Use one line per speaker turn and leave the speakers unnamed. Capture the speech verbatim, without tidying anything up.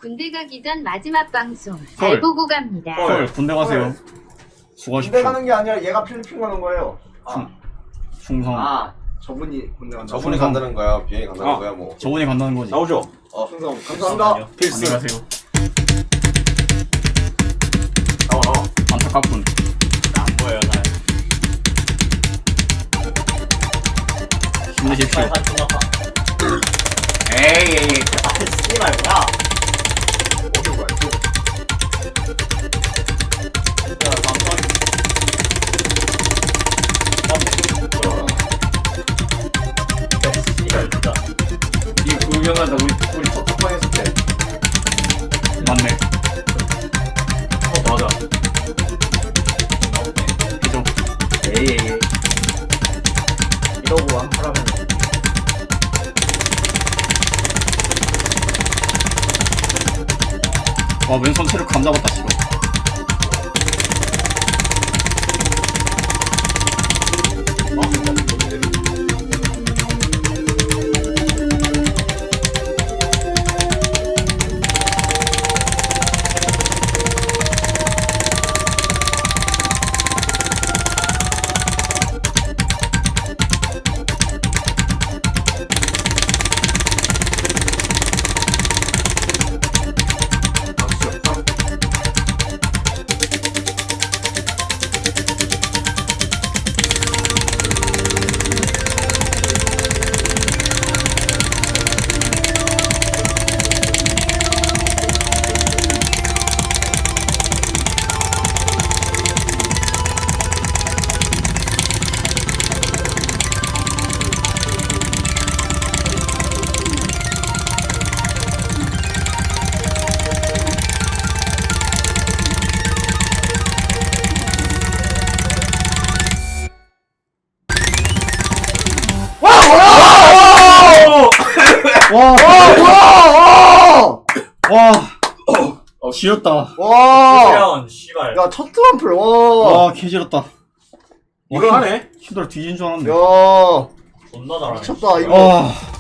군대 가기 전 마지막 방송
헐.
잘 보고 갑니다.
헐, 군대 가세요.
헐.
수고하십시오.
군대 가는 게 아니라 얘가 필리핀 가는 거예요.
충, 충성.
아, 저분이 군대 간다.
저분이 간다는 거야, 비행이 간다는
아.
거야, 뭐.
저분이 간다는 거지.
나오죠?
어,
충성. 감사합니다.
필수.
안녕히 가세요.
나와 나와.
안타깝군.
안 보여요 잘.
힘내십시오.
에이 에이. 아 씨발 뭐야?
어디 거야?
이거 유명하다. 우리 우리 첫 번 했을 때.
맞네.
어 맞아.
그죠?
에이 에이. 이러고 한 하라면.
와, 왼손 체력 감 잡았다, 씨발. 와,
와!
와, 어, 지렸다.
와!
태연 씨발.
야, 첫 트럼플. 와!
와, 개지렸다.
이걸 하네?
힘들어 뒤진 줄 알았네.
야,
존나 잘하네.
미쳤다. 이거
와,